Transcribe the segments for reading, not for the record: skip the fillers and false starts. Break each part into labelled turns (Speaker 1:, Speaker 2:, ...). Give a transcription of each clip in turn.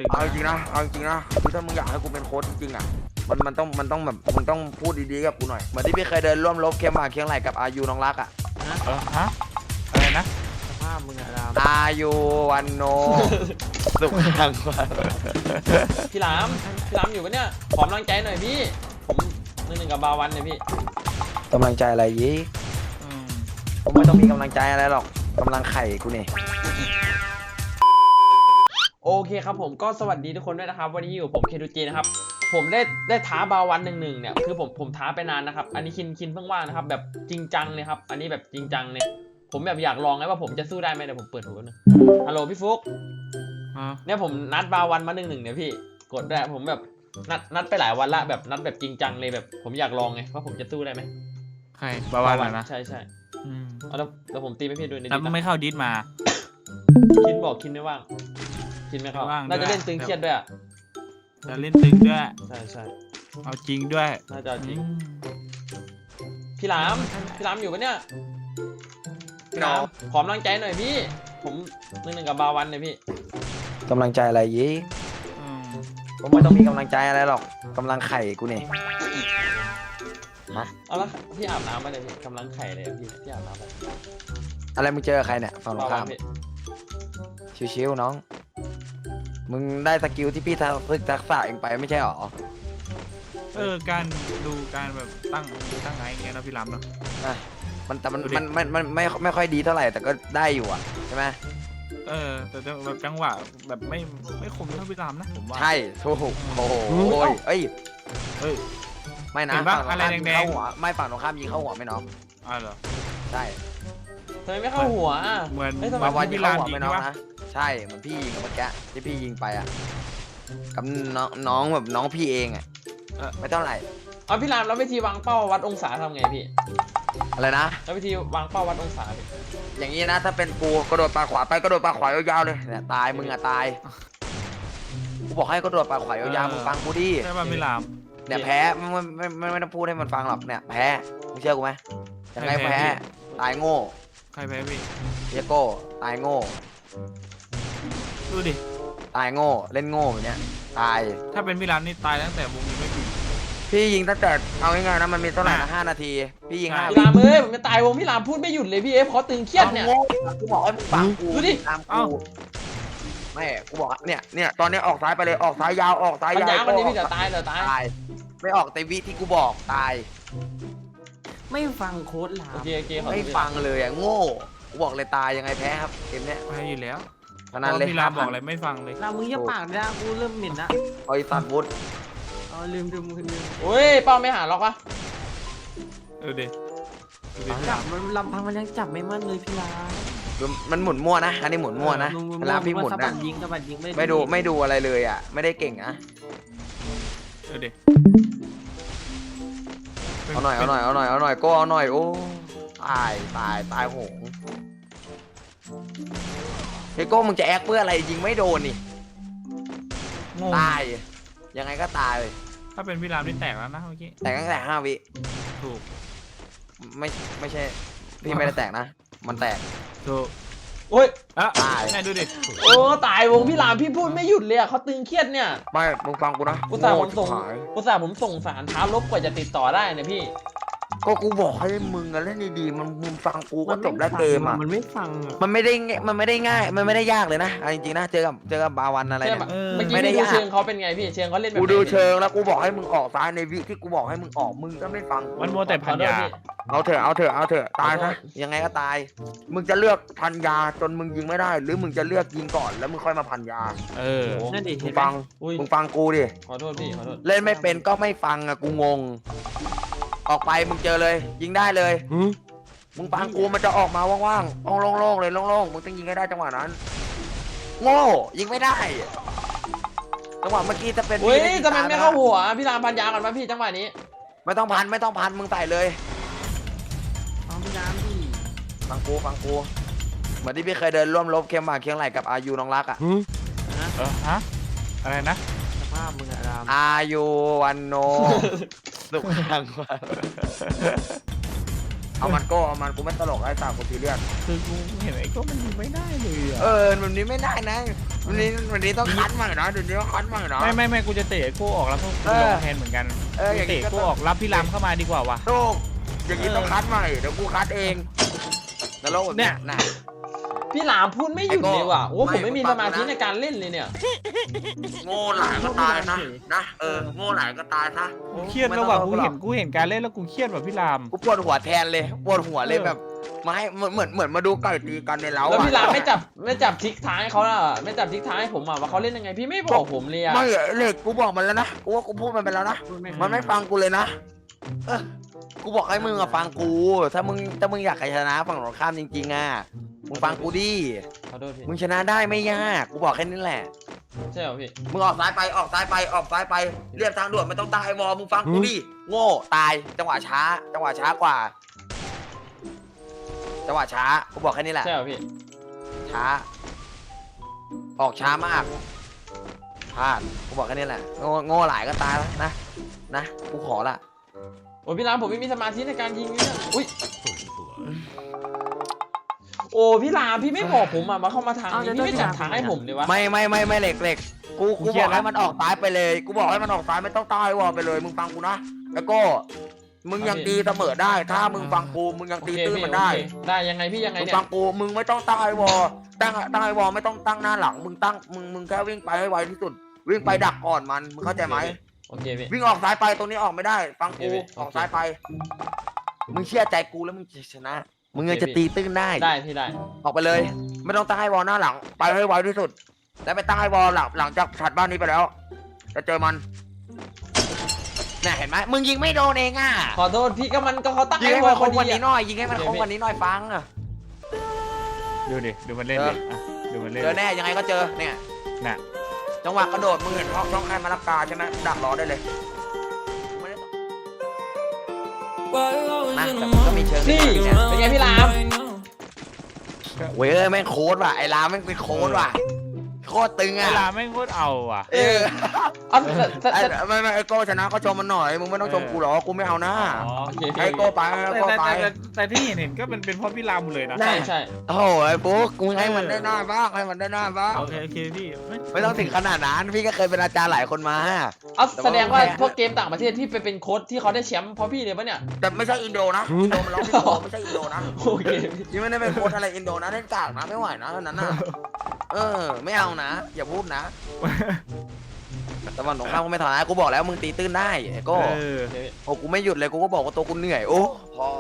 Speaker 1: ตึง
Speaker 2: เอาจริงนะคือถ้ามึงอยากให้กูเป็นโค้ชจริงๆอ่ะมันต้องแบบมึงต้องพูดดีๆกับกูหน่อยเหมือนที่พี่เคยเดินร่วมรบเคียงบ่าเคียงไหลกับอายุน้องรักอ่ะ
Speaker 1: ฮะอะไรนะ
Speaker 3: สภาพมึงอะราม
Speaker 2: อายุวันโนสุขทางวัน
Speaker 3: พี่หลามอยู่ปะเนี่ยขอกำลังใจหน่อยพี่ผมหนึ่งกับบาวันเนี่ยพี่
Speaker 2: กำลังใจอะไรยี่
Speaker 1: อืม
Speaker 2: ผมไม่ต้องมีกำลังใจอะไรหรอกกำลังไข่กูนี่
Speaker 3: โอเคครับผมก็สวัสดีทุกคนด้วยนะครับวันนี้อยู่ผมเคทูจีนะครับผมได้ท้าบาวัน1-1เนี่ยคือผมท้าไปนานนะครับอันนี้คินเพิ่งว่างนะครับแบบจริงจังเลยครับอันนี้แบบจริงจังเนี่ยผมแบบอยากลองไงว่าผมจะสู้ได้ไหมเดี๋ยวผมเปิดหูนึงฮัลโหลพี่ฟุกเนี่ยผมนัดบาวันมา1-1เนี่ยพี่กดได้ผมแบบนัดไปหลายวันละแบบนัดแบบจริงจังเลยแบบผมอยากลองไงว่าผมจะสู้ได้ไหม
Speaker 1: ใครบาวันนะ
Speaker 3: ใช่
Speaker 1: อืม
Speaker 3: เอาแล้วผมตีไม่พี่ด้วยใน
Speaker 1: แล้ว
Speaker 3: ดิส
Speaker 1: ไม่เข้าดิสมา
Speaker 3: คินบอกคินไม่ว่างคินไม่เข้า
Speaker 1: ไม่ว่าง
Speaker 3: น่าจะ
Speaker 1: ด้วย
Speaker 3: เล่นตึงเครียดด้วยอะ
Speaker 1: จะเล่นตึงด้วย
Speaker 3: ใช่
Speaker 1: เอาจริงด้วย
Speaker 3: น่าจะจริง
Speaker 1: อืม
Speaker 3: พี่หลามอยู่ปะเนี่ยพี่หลามขอกำลังใจหน่อยพี่ผมหนึ่งกับบาวันเนี่ยพี่
Speaker 2: กำลังใจอะไรยี่
Speaker 1: อืม
Speaker 2: ผมไม่ต้องมีกำลังใจอะไรหรอกกำลังไข่กูนี่
Speaker 3: เอาละพี่อาบน้ำมาเลยพี่กำลังไข่เลยอะพี่อาบน้ำมา
Speaker 2: อะไรมึงเจอใครเนี่ยฝั่งตรง
Speaker 3: บาวั
Speaker 2: ข้าน ม
Speaker 3: พี่
Speaker 2: ชิวๆน้องมึงได้สกิลที่พี่ฝึกทักษะเองไปไม่ใช่หรอ
Speaker 1: การดูการแบบตั้งไงอย่างเงี้ยนะพี่ล้ำเนาะ
Speaker 2: มันแต่มัน
Speaker 1: ดูดิ
Speaker 2: มันไม่ค่อยดีเท่าไหร่แต่ก็ได้อยู่อ่ะใช่ไหม
Speaker 1: แต่แบบจังหวะแบบไม่คมเท่าพี่ล้ำนะผมว่า
Speaker 2: ใช่ถูกโอ้โหเอ้ย
Speaker 1: เฮ้ย
Speaker 2: ไม่นะ
Speaker 1: เห็นปะ
Speaker 2: ฝั่งตรง
Speaker 1: อะไร
Speaker 2: ข้ามยิง
Speaker 1: แดงๆ
Speaker 2: เข้าหัวไม่ฝั่งตรงข้ามยิงเข้าหัวไม่น้อง
Speaker 1: เหรอ
Speaker 2: ใช่
Speaker 3: ทำไมไม่เข้าหัวอะ
Speaker 1: เหมือน
Speaker 3: เอ้ยทำไม
Speaker 2: วาวันยิ
Speaker 1: พี่
Speaker 2: งเข้า
Speaker 1: ล้ำ
Speaker 2: หัว
Speaker 1: ยิง
Speaker 2: ไม่น้อง
Speaker 1: ใช่ปะ
Speaker 2: นะใช่เหมือนพี่ยิงกับเมื่อกี้ที่พี่ยิงไปอ่ะกับน้องแบบน้องพี่เองอ่ะไม่เท่าไหร่
Speaker 3: เอาพี่หลามแล้ววิธีวางเป้าวัดองศาทำไงพี่
Speaker 2: อะไรนะ
Speaker 3: แล้ววิธีวางเป้าวัดองศาพี่
Speaker 2: อย่างนี้นะถ้าเป็นกูกระโดดปากขวาไปกระโดดปากขวายาวๆเลยเนี่ยตายมึงอ่ะตายกูบอกให้กระโดดปากขวายาวๆมึงฟังกูดิ
Speaker 1: ใช่ป่ะพี่ล้
Speaker 2: เนี่ยแพ้ไม่ต้องพูดให้มันฟังหรอกเนี่ยแพ้มึงเชื่อกูไหมยังไงแพ้ตายโง่
Speaker 1: ำใครแพ้พี่
Speaker 2: เยโก้ตายโง่
Speaker 1: ดูดิ
Speaker 2: ตายโง่เล่นโง่แบบเนี้ยตาย
Speaker 1: ถ้าเป็นพี่ล้ำนี่ตายตั้งแต่วงนี้ไม่ปิด
Speaker 2: พี่ยิงตั้งแต่เอาง่ายๆนะมันมีเท่าไหร่นะ5 นาทีพี่ยิง
Speaker 1: ใช่
Speaker 2: 5
Speaker 3: พี่หลามเอ้ยผมจะตายวงพี่หลามพูดไม่หยุดเลยพี่เอฟเขาตึงเครียดเนี่ย
Speaker 2: อาโง่กูบอกให้มึงฟังกู
Speaker 3: ดูดิ
Speaker 2: ตามกูไม่กูบอกเนี่ยตอนนี้ออกซ้ายไปเลยออกซ้ายยาวออกซ้าย
Speaker 3: ปัญ
Speaker 2: ยาว
Speaker 3: ญาคนนี้พี่เดี๋ยวตาย
Speaker 2: ตายไม่ออกเตวิที่กูบอกตาย
Speaker 4: ไม่ฟังโค้ดหลา
Speaker 3: โอ
Speaker 4: ม
Speaker 3: เคขอ
Speaker 2: ไม่
Speaker 3: โทษ
Speaker 2: ฟังเลยอ่ะโง่กูบอกเลยตายยังไงแพ้ครับเกมเนี้ย
Speaker 1: แพ้อยู่แล้ว
Speaker 2: ขนาดเลย
Speaker 1: พี่ล้ำบอกอะไรไม่ฟังเลย
Speaker 4: ลามึงอย่าปากนะกูเริ่มเหม็นละ
Speaker 2: เอาไอ้สัตว์วุฒ
Speaker 4: อ๋อลืม
Speaker 3: โอ้ยเป้าไม่หาหรอกวะ
Speaker 1: ดูดิพี่
Speaker 4: จับ
Speaker 1: ล้ำ
Speaker 4: มันลำพังมันยังจับไม่มั่นเลยพี่ลา
Speaker 2: มันหมุนมั่วนะอันนี้หมุนมั่วนะเวลาพี่หมุน
Speaker 4: สะบั
Speaker 2: นะ
Speaker 4: ดยิงสะบัดยิง
Speaker 2: ไม่ดูอะไรเลยอ่ะไม่ได้เก่งนะ
Speaker 1: ดูดิ
Speaker 2: เอาหน่อยโก้เอาหน่อยโอ้ตายโหงเฮโก้มึงจะแอคเพื่ออะไรยิงไม่โดนนี่
Speaker 1: งง
Speaker 2: ตายยังไงก็ตายเลย
Speaker 1: ถ้าเป็นพี่ล้ำนี่แตกแล้วนะเมื่อกี้
Speaker 2: แต่ตั้งแต่5 วิ
Speaker 1: ถูก
Speaker 2: ไม่ใช่พี่ไม่ได้แตกนะมันแตก
Speaker 1: ถูก
Speaker 3: โอ้ย
Speaker 1: อ่ะ
Speaker 2: ตาย
Speaker 1: ไหนดูดิ
Speaker 3: โอ้ตายวงพี่หลามพี่พูดไม่หยุดเลยอะเขาตึงเครียดเนี่ย
Speaker 2: ไม่มึงฟังกูนะ
Speaker 3: อุตส่าห์ผมส่ง
Speaker 2: โง่ชิบหาย
Speaker 3: ผมส่งสารท้าลบกว่าจะติดต่อได้เนี่ยพี่
Speaker 2: ก็กูบอกให้มึงอะเล่นดีๆมึงฟังกูก็จบแล้วเกมอ่ะ
Speaker 4: มันไม่ฟังอ่ะ
Speaker 2: มันไม่ได้ง่ายมันไม่ได้ยากเลยนะเอาจริงๆนะเจอกับบาวันอะไร
Speaker 3: ใช่
Speaker 2: เนี่ย
Speaker 3: ปะเมื่อกี้
Speaker 2: ไม่ได้
Speaker 3: พี่ดู
Speaker 2: ยาก
Speaker 3: เชิงเขาเป็นไงพี่เชิงเขาเล่นแบบ
Speaker 2: กู
Speaker 3: ไหน
Speaker 2: ดู
Speaker 3: พี่
Speaker 2: เชิงแล้วกูบอกให้มึงออกซ้ายในวิที่กูบอกให้มึงออกมึงก็ไม่ฟัง
Speaker 1: มันโมวแต่พันยา
Speaker 2: เอาเถอะตายซะยังไงก็ตาย มึงจะเลือกพันยาจนมึงยิงไม่ได้ หรือมึงจะเลือกยิงก่อนแล้วมึงค่อยมาพันยา
Speaker 1: เออ
Speaker 4: นั่นดิ
Speaker 2: มึ
Speaker 4: เห็
Speaker 2: ง
Speaker 4: นไหม
Speaker 2: ฟัง
Speaker 3: อุ้ย
Speaker 2: มึงฟังกูดิ
Speaker 3: ขอโทษพี่ขอโทษ
Speaker 2: เล่นไม่เป็นก็ไม่ฟังอะกูงง ออกไปมึงเจอเลย ยิงได้เลย มึงฟังกูมันจะออกมาว่างๆโล่งๆเลยโล่งๆมึงต้องยิงให้ได้จังหวะนั้น โง่ยิงไม่ได้จังหวะเมื่อกี้จะเป็น
Speaker 3: อุ้ย
Speaker 2: พี่ด้ยิง
Speaker 3: ทำไม
Speaker 2: ตา
Speaker 3: ไม่เข้าหัวพี่รามพันยาก่อนมาพี่จังหวะนี้
Speaker 2: ไม่ต้องพันมึงใส่เลย
Speaker 4: ฟังพี่ลามพี่
Speaker 2: ฟังกูเหมือนที่พี่เคยเดินร่วมรบเคียงบ่าเคียงไหลกับอายุน้องรักอ่ะ
Speaker 1: ฮะอะไรนะ
Speaker 4: สภาพมึงอะราม
Speaker 2: อายุวันโนสุขทางวันเอามันโก้เอามันกูไม่ตลกไอ้สาวกูซีเรียส
Speaker 1: คือกูเห็นไอ้ก็มันยิงไม่ได้เลยอ่ะ
Speaker 2: วันนี้ไม่ได้นะวันนี้ต้องคัดใหม่นะเดี๋ยวนี้ต้องคัดใหม่นะ
Speaker 1: ไม่กูจะเตะไอ้โก้ออกแล้วก็กูลงแทนเหมือนกัน
Speaker 2: อย่างนี้
Speaker 1: เตะ
Speaker 2: ก็
Speaker 1: โก้ออกรับพี่รามเข้ามาดีกว่าวะ
Speaker 2: โชคอย่างนี้ต้องคัดใหม่เดี๋ยวกูคัดเองนรกแบบเนี้ยนะ
Speaker 3: พี่หลามพูดไม่หยุดเลยว่ะโอ้
Speaker 2: ไม่
Speaker 3: ผมไม่มี
Speaker 2: ฟั
Speaker 3: ส
Speaker 2: ง
Speaker 3: มาธิ
Speaker 2: นะ
Speaker 3: ในการเล่นเลยเนี่ย
Speaker 2: โง่หลายก็ตายนะโง่หลายก็ตายซะ
Speaker 1: กูเครียดแล้วว่ะกูเห็นการเล่นแล้วกูเครียดว่ะพี่ราม
Speaker 2: กูปวดหัวแทนเลยปวดหัวเลยแบบมาให้เหมือนมาดูไก่ตีกันในเล้า
Speaker 3: แล้วพี่หลามไม่จับทิกท้ายเขาล่ะไม่จับทิกท้ายผมอ่ะว่าเขาเล่นยังไงพี่ไม่บอกผมเลยอ่ะ
Speaker 2: ไม่เหล็กกูบอกมันแล้วนะกูว่ากูพูดมันไปแล้วนะมันไม่ฟังกูเลยนะกูบอกให้มึงอะฟังกูถ้ามึงอยากชนะฝั่งตรงข้ามจริงๆอะมึงฟังกูดิ
Speaker 3: ขอโทษพี่
Speaker 2: มึงชนะได้ไม่ยากกูบอกแค่นี้แหละ
Speaker 3: ใช่เหรอพี่
Speaker 2: มึงออกซ้ายไปออกซ้ายไปเรียบทางด่วนไม่ต้องตายวอมึงฟังกูดิโง่ตายจังหวะช้ากว่าจังหวะช้ากูบอกแค่นี้แหละ
Speaker 3: ใช่เหรอพี่
Speaker 2: ช้าออกช้ามากพลาดกูบอกแค่นี้แหละโง่หลายก็ตายแล้วนะกูขอละ
Speaker 3: โอ้พี่หลามผมไม่มีสมาธิในการยิงเนี่ยอุ้ยโอ้พี่หลามพี่ไม่บอกผมอ่ะมาเข้ามาทางนี้พี่ไม่จัดทางให้ผมเลยวะ
Speaker 2: ไม่เหล็กกูบอกให้มันออกซ้ายไปเลยกูบอกให้มันออกซ้ายไม่ต้องใต้วอลไปเลยมึงฟังกูนะแล้วก็มึงยังตีเสมอได้ ถ้ามึงฟังกูมึงยังตีตื้นมันได้
Speaker 3: ได้ยังไงพี่ยังไง
Speaker 2: มึง
Speaker 3: เนี่ย
Speaker 2: ฟังกูมึงไม่ต้องใต้วอลตั้งไอวอลไม่ต้องตั้งหน้าหลังมึงแค่วิ่งไปให้ไวที่สุด วิ่งไปดักก่อนมันมึงเข้าใจไหม
Speaker 3: โอเคพี่
Speaker 2: วิ่งออกซ้ายไปตรงนี้ออกไม่ได้ ฟังกู
Speaker 3: โอเค
Speaker 2: ออกซ้ายไป มึงเชื่อใจกูแล้วมึงจะชนะ มึงยังจะตีตื้นได้
Speaker 3: ได้พี่ได้
Speaker 2: ออกไปเลย ไม่ต้องตั้งไอวอลหน้าหลังไปให้ไวที่สุด แล้วไปตั้งไอวอลหลังจากถัดบ้านนี้ไปแล้วจะเจอมันเนี่ยเห็นไหมมึงยิงไม่โดนเองอ่ะ
Speaker 3: ขอโทษพี่ก็มันก็เขาตั้ง
Speaker 2: ยิง
Speaker 3: ไอ้
Speaker 2: ให้
Speaker 3: วอ
Speaker 2: มัน
Speaker 3: ล
Speaker 2: ค
Speaker 3: พอง
Speaker 2: วัน
Speaker 3: ดี
Speaker 2: นี้หน่อยยิงให้มันคงวันนี้หน่อยฟังอ่ะ
Speaker 1: ดูมันเล่นดิดูมันเล่น
Speaker 2: เจอแน่ยังไงก็เจอเนี่ย
Speaker 1: น่ะ
Speaker 2: จังหวะกระโดดมึงเห็นช่องใครมาลักกาใช่ไหมดักรอได้เลยไม่ได้นะแต่มันก็มีเชิง
Speaker 3: นี่
Speaker 2: เนี่ย
Speaker 3: เป็นไงพี่หลาม
Speaker 2: เว้ยแม่งโค้ดว่ะไอ้ลาแม่งเป็นโค้ดว่ะโคตรตึง
Speaker 1: เว
Speaker 2: อ่ะ
Speaker 1: ลาแม่งโคตรเอาว่ะ
Speaker 3: เอา
Speaker 2: ไม่ไอ้โก้ชนะก็ชมมันหน่อยมึงไม่ต้องชมกูหรอกกูไม่เอานะ
Speaker 1: อ๋อ
Speaker 3: โอเค
Speaker 2: ไอ้
Speaker 3: พี่
Speaker 2: โก้ไปไอ้โก้ไป
Speaker 1: แต่ที่เห็นก็เป็นเพราะพี่รามหมดเลยนะ
Speaker 3: ใช่ใช่
Speaker 2: โอ้โหไอ้ปุ๊กกูให้มันได้หน้าบ้างให้มันได้หน้าบ้าง
Speaker 1: โอเคพี่
Speaker 2: ไม่ต้องถึงขนาดนั้นพี่ก็เคยเป็นอาจารย์หลายคนมา
Speaker 3: เอาแสดงว่าพวกเกมต่างประเทศที่ไปเป็นโค้ชที่เขาได้แชมป์เพราะพี่เลยปะเนี่ย
Speaker 2: แต่ไม่ใช่อินโดนะอินโดมันร้องไม่โดไม่ใช่อินโดนะ
Speaker 3: โอเคพี่
Speaker 2: ยังไม่ได้เป็นโค้ชอะไรอินโดนะเล่นกากนะไม่ไหวนะเท่านั้นนะไม่เอานะ อย่าพูดนะแต่วันสงครามกูไม่ถอยนะกูบอกแล้วมึงตีตื้นได้ไอ้โก้โอ้กูไม่หยุดเลยกูก็บอกว่าตัวกูเหนื่อยโอ้พอ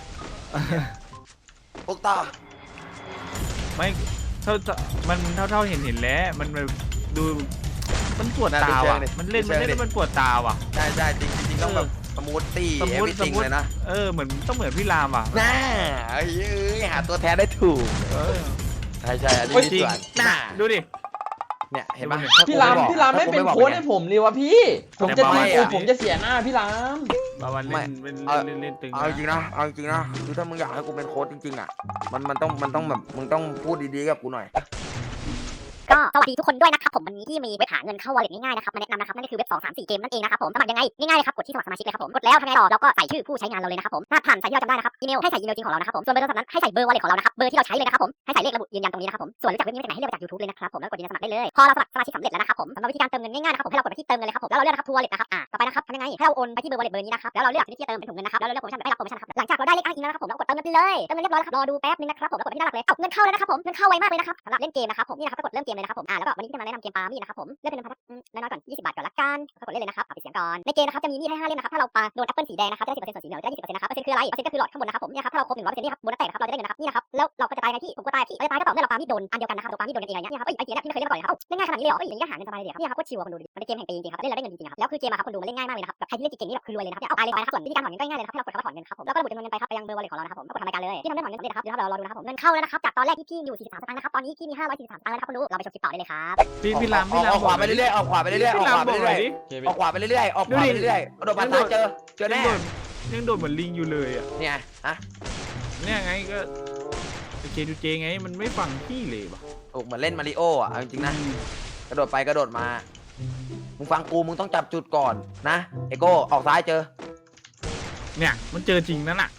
Speaker 2: พวกต่อ
Speaker 1: ไม่เท่าเห็นแล้วมันดูมันปวดตาว่ะมันเล่นแล้วมันปวดตาว่ะ
Speaker 2: ใช่จริงต้องแบบสมูทตี้เอวิจริงเลยนะ
Speaker 1: เหมือนต้องเหมือนพี่รามว่ะ
Speaker 2: น่าเอ้ยหาตัวแท้ได้ถูกใช่อันนี้มีส่วนน่า
Speaker 1: ดูดิ
Speaker 2: เนี่ยเห็นปะ
Speaker 3: พี่รามไม่เป็นโค้ชให้ผมเลยวะพี่ ผมจะตีกูผมจะเสียหน้าพี่ราม
Speaker 1: บาวันเล่นตึง
Speaker 2: เอาจริงนะคือถ้ามึงอยากให้กูเป็นโค้ชจริงๆอ่ะมันต้องแบบมึงต้องพูดดีๆกับกูหน่อย
Speaker 5: ก็สวัสดีทุกคนด้วยนะครับผมวันนี้ที่มีเว็บหาเงินเข้า wallet ง่ายๆนะครับมาแนะนำนะครับนั่นก็คือเว็บ2 3 4เกมนั่นเองนะครับผมสมัครยังไงง่ายๆเลยครับกดที่สมัครสมาชิกเลยครับผมกดแล้วทำไงต่อเราก็ใส่ชื่อผู้ใช้งานเราเลยนะครับผมถ้าผ่านใส่ที่เราจำได้นะครับอีเมลให้ใส่อีเมลจริงของเรานะครับผมส่วนเบอร์โทรศัพท์นั้นให้ใส่เบอร์ wallet ของเรานะครับเบอร์ที่เราใช้เลยนะครับผมให้ใส่เลขระบุยืนยันตรงนี้นะครับผมส่วนรู้จักเว็บนี้มาจากไหนให้เลือกจาก YouTube เลยนะครับผมแล้วกดยืนยันสมัครได้เลยพอเราสมัครสมาชิกสำเร็จแล้วนะครับผมสำหรับวิธีการเติมเงินง่ายๆนะครับผมให้เรากดไปที่เติมเงินเลยครับผมแล้วเราเลือกนะครับ True Wallet นะครับต่อไปนะครับทำยังไงให้เราโอนไปที่เบอร์ wallet เบอร์นี้นะครับแล้วเราเลือกที่จะเติมเป็นถุงเงินนะครับแล้วเราเลือกโปรโมชั่นได้รับโปรโมชั่นครับหลังจากเราได้เลขอ้างอิงแล้วนะครับผมเรากดเติมเงินไปเลยเติมเงินเรียบร้อยแล้วครับรอดูแป๊บนึงนะครับผมแล้วกดไปที่หน้าหลักเลยเงินเข้าแล้วนะครับผมเงินเข้าไวมากเลยนะครับสำหรับเล่นเกมนะครับผมนี่นะครับก็กดเริ่มเกมเลยนะครับผมแล้วก็วันนี้จะมาแนะนำเกมปามี่นะครับผมเลือกเป็นน้อยๆก่อน20 บาทก่อนละกันก็กดเล่นเลยนะครับปิดเสียงก่อนในเกมนะครับจะมีมีดให้5เล่มนะครับถ้าเราปาโดนแอปเปิลสีแดงนะครับจะได้ 10% ส่วนสีเหลืองจะได้ 20% นะครับเปอร์เซ็นต์คืออะไรเปอร์เซ็นต์ก็คือหลอดข้างบนนะครับผมเนี่ยครับถ้าเราครบ 100% นี่ครับโบนัสแตกนะครับเราจะได้เงินนะครับนี่นะครับแล้วเราก็จะตายไงพี่ผมก็ตายพี่ตายก็ต่อเมื่อเราปามีดโดนอันเดียวกันนะครับตัวปามีดโดนกันเองอย่างเงี้ยครับไอ้เกมเนี่ยพี่ไม่เคยเล่นมาก่อนเลยครับเล่นง่ายขนาดนี้เลยเหรออย่างนี้ก็หาเงินสบายเลยครับนี่ครับก็ชิวคนดูดิมันเป็นเกมแห่งปีจริงๆครับเล่นแล้วได้เงินจริงๆครับแล้วคือเกมอะครับคนดูมันเล่นง่ายมากเลยนะครับแบบใครที่เล่นเก่งๆนี่แบบคือรวยเลยนะครับเอาตายเลยไปนะครับส่วนวิธีการถอนเงินก็ง่ายเลยนะครับให้เรากดคำว่าถอนเงินครับผมแล้วก็ระบุจำนวนเงินไปครับไปยังเบอร์ wallet ของเรานะครับผมก็กดทำรายการเลยที่ทำได้ถอนเงินสำเร็จนะครับเดี๋ยวเรารอดูนะครับผมเงินเข้าแล้วนะครับจากตอนแรกที่พี่อยู่43 สตางค์นะครับตอนนี้พี่มี543 สตางค์แล้วนะครับคุณดูเราไปชมคลิปต่อได้เลยครับ
Speaker 1: พี่ราม
Speaker 2: ออกขวาไปเรื่อยๆออกขวาไปเรื่อยๆออกขวาไปเรื่อย
Speaker 3: โอเค
Speaker 2: ๆ
Speaker 3: พี่
Speaker 2: ออกขวาไปเรื่อยๆออกขวาไปเรื่อยๆกระโดดมาซ้ายเจอแน่
Speaker 1: ยังโดนเหมือนลิงอยู่เลยอ่ะ
Speaker 2: เนี่ยฮะ
Speaker 1: เนี่ยไงก็เจดูเจไงมันไม่ฟังพี่เลยว่ะ
Speaker 2: โอ้เหมือนเล่นมาริโออ่ะจริงๆนะกระโดดไปกระโดดมามึงฟังกูมึงต้องจับจุดก่อนนะไอโก้ออกซ้ายเจอ
Speaker 1: เนี่ยมันเจอจริงนั่นน่ะ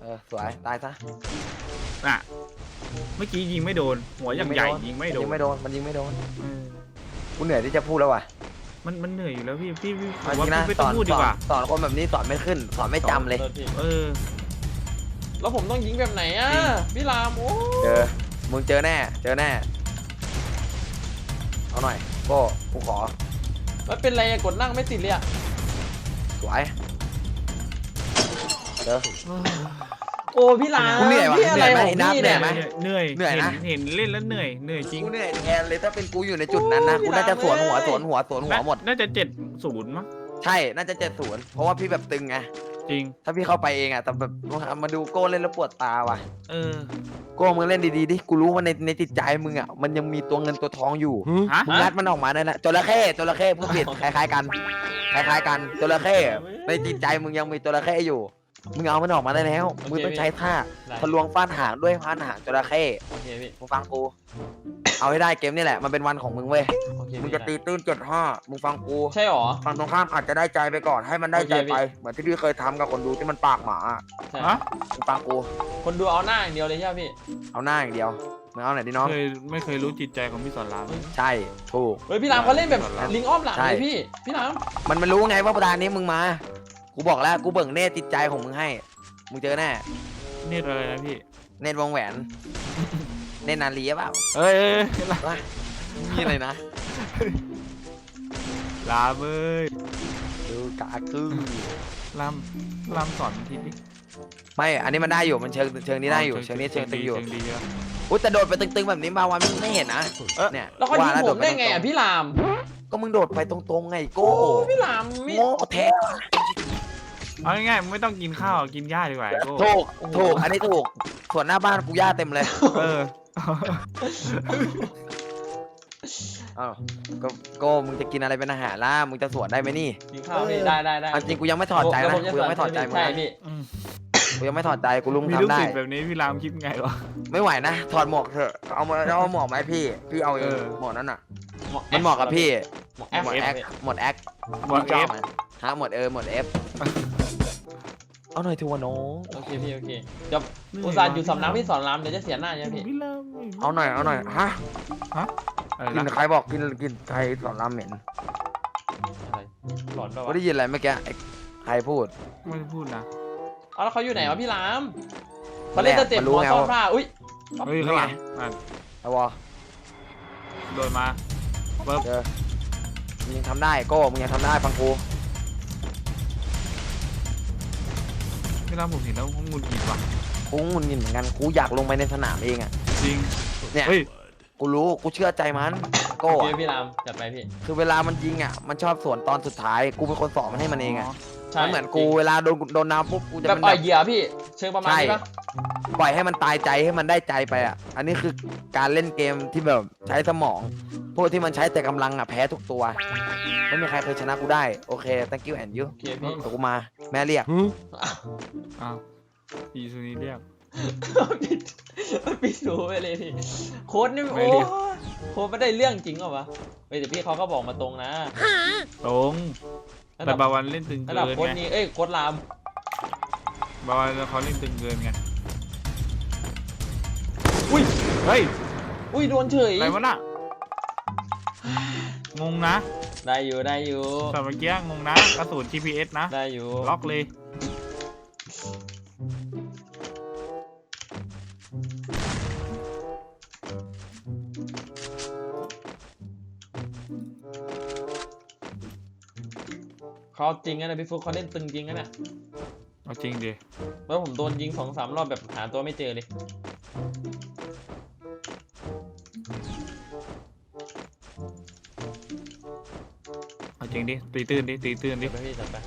Speaker 2: สวยตายซะ
Speaker 1: น่ะเมื่อกี้ยิงไม่โดน หัวอย่างใหญ่ยิงไม่โดน
Speaker 2: ยิงไม่โดนมันยิงไม่โดน
Speaker 1: เออ
Speaker 2: กูเหนื่อยที่จะพูดแล้วว่ะ
Speaker 1: มันเหนื่อยอยู่แล้วพี่ผ
Speaker 2: เอา
Speaker 1: ม
Speaker 2: จ
Speaker 1: ว่า
Speaker 2: ริงนะ
Speaker 1: พี่ไม่
Speaker 2: ส
Speaker 1: ต้อ
Speaker 2: อง น
Speaker 1: พูดดีกว่า
Speaker 2: สอนคนแบบนี้สอนไม่ขึ้นสอนไม่จำเลย
Speaker 3: โทษพี่
Speaker 1: เออ
Speaker 3: แล้วผมต้องยิงแบบไหนอ่ะพี่รามโอ้
Speaker 2: มึงเจอแน่เอาหน่อยโก้กูขอ
Speaker 3: มันเป็นไรอะกดนั่งไม่ติดเลยอะ
Speaker 2: สวยเจอ
Speaker 3: โอ้พี่ราม
Speaker 2: กูเหนื่อยว่ะ
Speaker 3: พี่อะไร
Speaker 2: เหนื่
Speaker 3: ข
Speaker 2: อย
Speaker 3: อง
Speaker 2: ไหม
Speaker 3: พี่
Speaker 2: เหนื่
Speaker 3: เนี่
Speaker 2: อย
Speaker 3: ย
Speaker 2: ไหม
Speaker 1: เหนื่อย
Speaker 2: เหนื่อยนะ
Speaker 1: เห็นเล่นแล้วเหนื่อยจริง
Speaker 2: กูเหนื่อยแทนเลยถ้าเป็นกูอยู่ในจุดนั้นนะ
Speaker 3: โอ้ย
Speaker 2: กูน่าจะสวนหัว
Speaker 3: พี่
Speaker 2: ส
Speaker 3: ราม
Speaker 2: วนหัวสวนหัวหมด
Speaker 1: น่าจะ70มั้ง
Speaker 2: ใช่น่าจะ70เพราะว่าพี่แบบตึงไง
Speaker 1: จริง
Speaker 2: ถ้าพี่เข้าไปเองอะแต่แบบมาดูโก้เล่นแล้วปวดตาว่ะ
Speaker 1: เออ
Speaker 2: โก้มึงเล่นดีๆดิกูรู้ว่าในจิตใจมึงอะมันยังมีตัวเงินตัวทองอยู่
Speaker 1: ฮะ
Speaker 2: มึงงัดมันออกมาได้แหละจระเข้พูดผิดคล้ายๆกันคล้ายๆกันจระเข้ในจิตใจมึงยังมีจระเข้อยู่มึงเอามันออกมาได้แล้วมึงต้องใช้ท่า
Speaker 3: ได้
Speaker 2: ทะลวงฟาดหางด้วยพานหางจระเข้
Speaker 3: โอเคพี่
Speaker 2: มึงฟังกู เอาให้ได้เกมนี่แหละมันเป็นวันของมึงเว้ย
Speaker 3: โอเค
Speaker 2: มึง
Speaker 3: พี่
Speaker 2: จะตีตื้น75มึงฟังกู
Speaker 3: ใช่หรอ
Speaker 2: ฝั่งตรงข้ามอาจจะได้ใจไปก่อนให้มันได้ใจ
Speaker 3: โอเคพี่
Speaker 2: ไปเหมือนที่พี่เคยทำกับคนดูที่มันปากหมาอะ
Speaker 3: ใช่
Speaker 1: ฮะ
Speaker 2: มึงฟังกู
Speaker 3: คนดูเอาหน้าอย่างเดียวเลยใช่ไหมพี่
Speaker 2: เอาหน้าอย่างเดียวมึงเอาไหนอยดิน้อง
Speaker 1: ไม่เคยรู้จิตใจของพี่สอนรามเลย
Speaker 2: ใช่ถูก
Speaker 3: เฮ้ยพี่รามเขาเล่นแบบ
Speaker 1: ใช่
Speaker 3: ลิงอ้อมหลัง
Speaker 2: ใช่
Speaker 3: เลยพี่ราม
Speaker 2: มันรู้ไงว่าประธานนี้มึงมา กูบอกแล้วกูเบิ่งเนตจิตใจของมึงให้ มึงเจอแน่
Speaker 1: เนตรอะไรนะพี่
Speaker 2: เนตวงแหวน เนตนาลีหรือเปล่า
Speaker 1: เอ้ย
Speaker 2: วะนี่เลยนะ
Speaker 1: ลามเอ้ย
Speaker 2: ดูกาคือ
Speaker 1: ลามสอนทีดิ
Speaker 2: ไม่ อันนี้มันได้อยู่ มันเชิงนี้ได้อยู่ เชิงนี้เชิงตึงอยู่
Speaker 1: เชิงดีเยอะ
Speaker 2: อุ้ยแต่โดดไปตึงๆแบบนี้มาวันมึงไม่เห็นนะเนี่ย
Speaker 3: แล้วเขายิง
Speaker 2: ว่า
Speaker 3: ผมได้ไง
Speaker 2: โป
Speaker 3: อ่ะ
Speaker 2: ตร
Speaker 3: พี่ราม
Speaker 2: ก็มึงโดดไปตรงๆไงโก้
Speaker 3: โอ้พี่รามไม่
Speaker 2: โง่แท้
Speaker 1: เอาง่ายๆมึงไม่ต้องกินข้าวกินหญ้าดีกว่าไอ้โก้
Speaker 2: ถูก อันนี้ถูก ส่วนหน้าบ้านกูย่าเต็มเลย
Speaker 1: เออ
Speaker 2: อ้าวก็มึงจะกินอะไรเป็นอาหารล่ะ มึงจะสวนได้ไหมนี่
Speaker 3: กินข้าวพี่ได้
Speaker 2: อันจริงกูยังไม่ถอดใจ
Speaker 3: เดี๋ยว
Speaker 2: นะ
Speaker 3: ผมจะ
Speaker 2: กูยังไม่ถอดใจมึง
Speaker 3: ใช่
Speaker 2: นะ
Speaker 3: พี่
Speaker 1: อืม
Speaker 2: กูยังไม่ถอดใจกูลุง
Speaker 1: มีลูก
Speaker 2: ทำได้
Speaker 1: ศิษย์แบบนี้พี่รามคิดไงวะ
Speaker 2: ไม่ไหวนะถอดหมวกเถอะเอาหมวกไหมาให้พี่เอาเอ
Speaker 1: เอง อ
Speaker 2: หมวกนั้นอ่ะมันเหมาะกับพี่
Speaker 3: หมวก
Speaker 2: หมวดแอค
Speaker 3: พี่
Speaker 2: หมวดแอค
Speaker 1: หมด
Speaker 2: ช
Speaker 1: เอ
Speaker 2: อบ
Speaker 1: ฟ
Speaker 2: ไหมฮะหมวดหมวดเอฟเอาหน่อยทัวน้อง
Speaker 3: โอเคพี่โอเคเดี๋ยวอุตส่าห์อยู่สำนักพี่สอนรามเดี๋ยวจะเสียหน้าใช่ไหมพี่
Speaker 1: พี่ราม
Speaker 2: เอาหน่อยฮะ
Speaker 1: อะไร
Speaker 2: กิน
Speaker 1: นะ
Speaker 2: ใครบอกกินใครสอนรามเหม็น
Speaker 3: อะไรหลอนป่าว
Speaker 2: กูได้ยินอะไรเมื่อกี้ไอ้ใครพูด
Speaker 1: ไม่ได้พูดนะ
Speaker 3: เอาแล้วเขาอยู่ไหนวะพี่รามเขาเล่นสเต็ป
Speaker 2: มัน
Speaker 3: ห
Speaker 2: รู้
Speaker 3: มอ
Speaker 2: ไง
Speaker 3: ซ่อน
Speaker 2: ว่า
Speaker 3: ผ้าอุ้ย
Speaker 1: เฮ้ยข้างหลังอ่ะ
Speaker 2: ไอ้วอ
Speaker 1: โดนมาปึ๊บ
Speaker 2: เจอมึงยังทำได้โก้มึงยังทำได้ฟังกู
Speaker 1: พี่รามผมเห็นแล้วผมงุนงิดว่ะ
Speaker 2: กูงุนงิดเหมือนกันกูอยากลงไปในสนามเองอ่ะ
Speaker 1: จริง
Speaker 2: เนี่ย
Speaker 1: เฮ้ย
Speaker 2: กูรู้กูเชื่อใจมันโก้
Speaker 3: โอเค
Speaker 2: อะ
Speaker 3: พี่รามจัดไปพี่
Speaker 2: คือเวลามันยิงอ่ะมันชอบสวนตอนสุดท้ายกูเป็นคนสอนมันให้มันเองอ่ะ
Speaker 3: ใช่
Speaker 2: มันเหมือนกูเวลาโดนน้ำปุ๊บกูจะ
Speaker 3: แบบ
Speaker 2: เป็น
Speaker 3: อ่
Speaker 2: แบ
Speaker 3: อย
Speaker 2: บ
Speaker 3: เหยื่อพี่ เชิงประมาณนี้ปะ
Speaker 2: ปล่อยให้มันตายใจให้มันได้ใจไปอ่ะ อันนี้คือการเล่นเกมที่แบบใช้สมอง พวกที่มันใช้แต่กำลังอ่ะแพ้ทุกตัว ไม่มีใครเคยชนะกูได้ โอเค thank you and you
Speaker 3: โอเคพี่
Speaker 2: เดี๋ยวกูมาแม่เรียก
Speaker 1: อ้าวอีซูนี้เรียก
Speaker 3: พี่สูไปเลยพี่โค้ดนี่
Speaker 1: ไม่
Speaker 3: โอ้
Speaker 1: เรียก
Speaker 3: โค้ดไม่ได้เรื่องจริงเหรอวะเฮ้ยแต่พี่เขาก็บอกมาตรงนะ
Speaker 1: ตรง
Speaker 3: ระ
Speaker 1: แต่
Speaker 3: ดับ
Speaker 1: บาวันเล่นตึง
Speaker 3: ระ
Speaker 1: เกิ
Speaker 3: ดับ
Speaker 1: น
Speaker 3: โค้ด
Speaker 1: ไง
Speaker 3: นี้เอ้ยโค้ดราม
Speaker 1: บาวันเขาเล่นตึงเกินไง
Speaker 3: อุ้ย
Speaker 1: เฮ้ย
Speaker 3: อุ้ยโดนเฉย
Speaker 1: อะไรวะน่ะงงนะ
Speaker 3: ได้อยู่ได้อยู่
Speaker 1: แต่เมื่อกี้งงนะกระสุน GPS นะ
Speaker 3: ได้อยู่
Speaker 1: ล็อกเลย
Speaker 3: เขาจริงนะพี่ฟุกเขาเล่นตึงจริงนะเนี่ย
Speaker 1: เอาจริงดิ
Speaker 3: แล้วผมโดนยิง2-3 รอบแบบหาตัวไม่เจอเลย
Speaker 1: เอาจริงดิตีตื้นดิตีตื้นดิ
Speaker 3: เดี๋ยวไปพี่จัดไป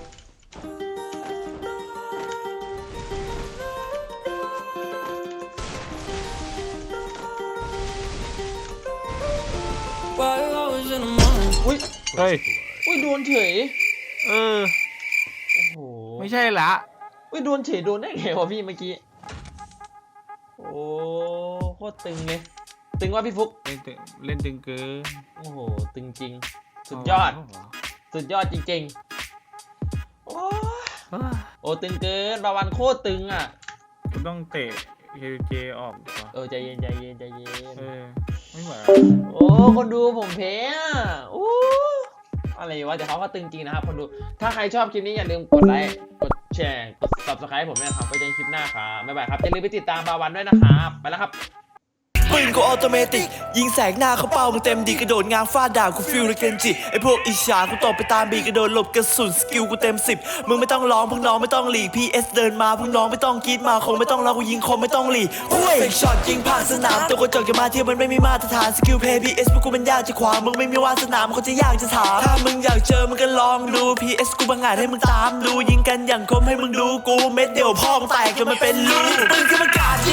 Speaker 3: อุ้ย
Speaker 1: เฮ้ย
Speaker 3: อุ้ยโดนเฉย
Speaker 1: เออ
Speaker 3: โอ้โห
Speaker 1: ไม่ใช่ละ
Speaker 3: อุ้ยโดนเฉยโดนได้ไงวะพี่เมื่อกี้ โอ้โคตรตึงเลย ตึงว่าพี่ฟุก
Speaker 1: เล่นตึงเกิน
Speaker 3: โอ้โห ตึงจริง สุดยอด สุดยอดจริงๆ โอ้
Speaker 1: เออ
Speaker 3: โอ้ตึงเกินบาวันโคตรตึงอ่ะ
Speaker 1: บต้องเตะเคเจออกก่อน
Speaker 3: ใจเย็นใจเย็นใจเย็น
Speaker 1: ไม่ไหว
Speaker 3: โอ้คนดูผมแพ้อะโอ้อะไรวะแต่เขาก็ตึงจริงนะครับคนดูถ้าใครชอบคลิปนี้อย่าลืมกดไลค์กดแชร์กด subscribe ผมด้วยนะครับไว้เจอกันคลิปหน้าครับบ๊ายบายครับอย่าลืมไปติดตามบาวันด้วยนะครับไปแล้วครับ
Speaker 6: ปืนกูออโตเมติกยิงแสกหน้าเขาเป้ามึงเต็มดีกระโดดง้างฟาดด่ากูฟิลเลยเกนจิไอพวกอิจฉากูตบไปตามบีกระโดดหลบกระสุนสกิลกูเต็ม10มึงไม่ต้องร้องพวกน้องไม่ต้องหลีก PS เดินมาพวกน้องไม่ต้องกรีดมาคงไม่ต้องรอกูยิงคมไม่ต้องหลีกคุยเฟกช็อตยิงผ่านสนามตัวกระจกจะมาเทียบมันไม่มีมาตรฐานสกิลเพย์ PS พวกกูมันยากจะขวางมึงไม่มีวาสนามันเขาจะยากจะถามถ้ามึงอยากเจอมึงก็ลองดู PS กูบังอาจให้มึงตามดูยิงกันอย่างคมให้มึงดูกูเม็ดเดียวพ่อมึงแตกจนมันเป็นรูปืนขึ้นมากาด